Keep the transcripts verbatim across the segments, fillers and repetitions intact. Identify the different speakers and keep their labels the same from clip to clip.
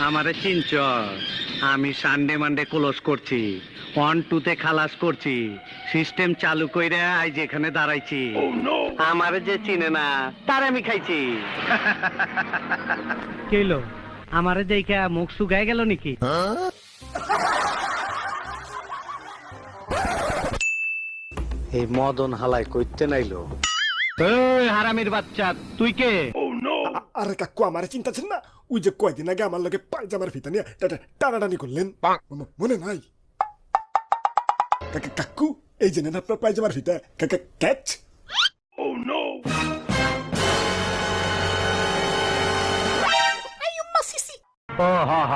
Speaker 1: আমারে চিনচ? আমি সানডে মানডে ক্লোজ করছি, ওয়ান টুতে খালাস করছি, সিস্টেম চালু কইরা আজ যেখানে দাঁড়াইছি। আমারে যে চিনে না তার আমি খাইছি।
Speaker 2: কেলো আমারে দেখা মুখ শুকায় গেল নাকি?
Speaker 1: এই মদন হালাই কইতে নাইলো। এই হারামির বাচ্চা, তুই কে?
Speaker 3: আরে কাকু আমার চিন্তাছেন না, ওই যে কয়দিন আগে আমার লগে পায়জামার ফিতা নিয়ে টানাটানি করলেন, মনে নাই? কাকা কাকু এই যে নেন আপনার পায়জামার ফিতা। কাকা ক্যাচ।
Speaker 1: ও হ হ।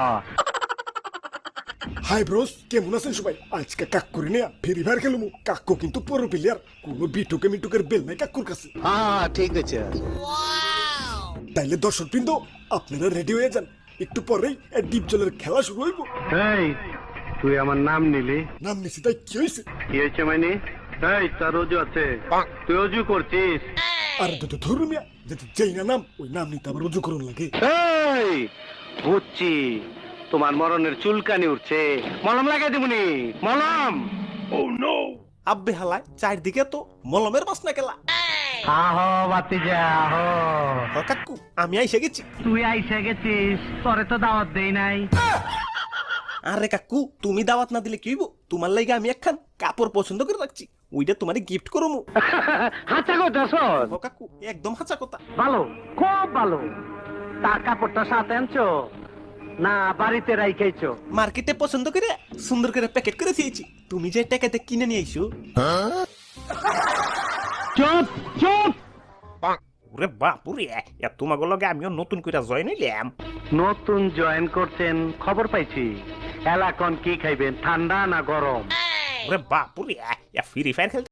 Speaker 3: হাই ব্রোস, কেমন আছেন সবাই? আজকে কাকুরে নিয়ে ফেরি ফায়ার খেলবো। কাকু কিন্তু পুরো প্লেয়ার, কোনো বিটুকে মিটুকের বেল নাই কাকুর কাছে।
Speaker 1: হ্যাঁ ঠিক আছে।
Speaker 3: তাইলে দর্শক বৃন্দ আপনারা রেডি হয়ে যান, একটু পরেই ডিপ জলের খেলা শুরু হইব।
Speaker 1: এই তুই আমার নাম নিলি?
Speaker 3: নাম নিছি তাই কি হয়েছে?
Speaker 1: কি হয়েছে মানে? এই তার অজু আছে, তুই অজু করছিস?
Speaker 3: আর তো ধরুন মিয়া, যেই না নাম ওই নাম নিতে আবার রুজু করুন লাগে।
Speaker 1: এই বুঝছি, তোমার মরণের চুলকানি উঠছে, মলম লাগাই দিবনি। মলম।
Speaker 4: আব্বে হালায় চারদিকে তো মলমের বাসনা কেলা।
Speaker 2: আহো বাতিজা আহো।
Speaker 4: হ কাকু আমি আইসে গেছি।
Speaker 2: তুই আইসা গেছিস, তোরে তো দাওয়াত দেই নাই।
Speaker 4: আরে কাকু তুমি দাওয়াত না দিলে কি হইব? তোমার লাগে আমি একখান কাপড় পছন্দ করে রাখছি, ওইটা তোমারে গিফট করবো।
Speaker 2: হাঁচা করতেছ?
Speaker 4: হ কাকু একদম হাঁচা কথা।
Speaker 2: ভালো, খুব ভালো। তার কাপড়টা সাথে আনছো না বাড়িতে রাইখাইছো?
Speaker 4: মার্কেটে পছন্দ করে সুন্দর করে প্যাকেট করে দিয়েছি, তুমি যে টাকাতে কিনে নিয়ে আইসো।
Speaker 2: চুপ চুপ।
Speaker 4: ওরে বাপুরে, তোমাকে লগে আমিও নতুন করে জয়েন হইলাম।
Speaker 1: নতুন জয়েন করছেন খবর পাইছি। এলাকন কি খাইবেন, ঠান্ডা না গরম?
Speaker 4: ওরে বাপুরে, ফ্রি ফায়ার খেলতে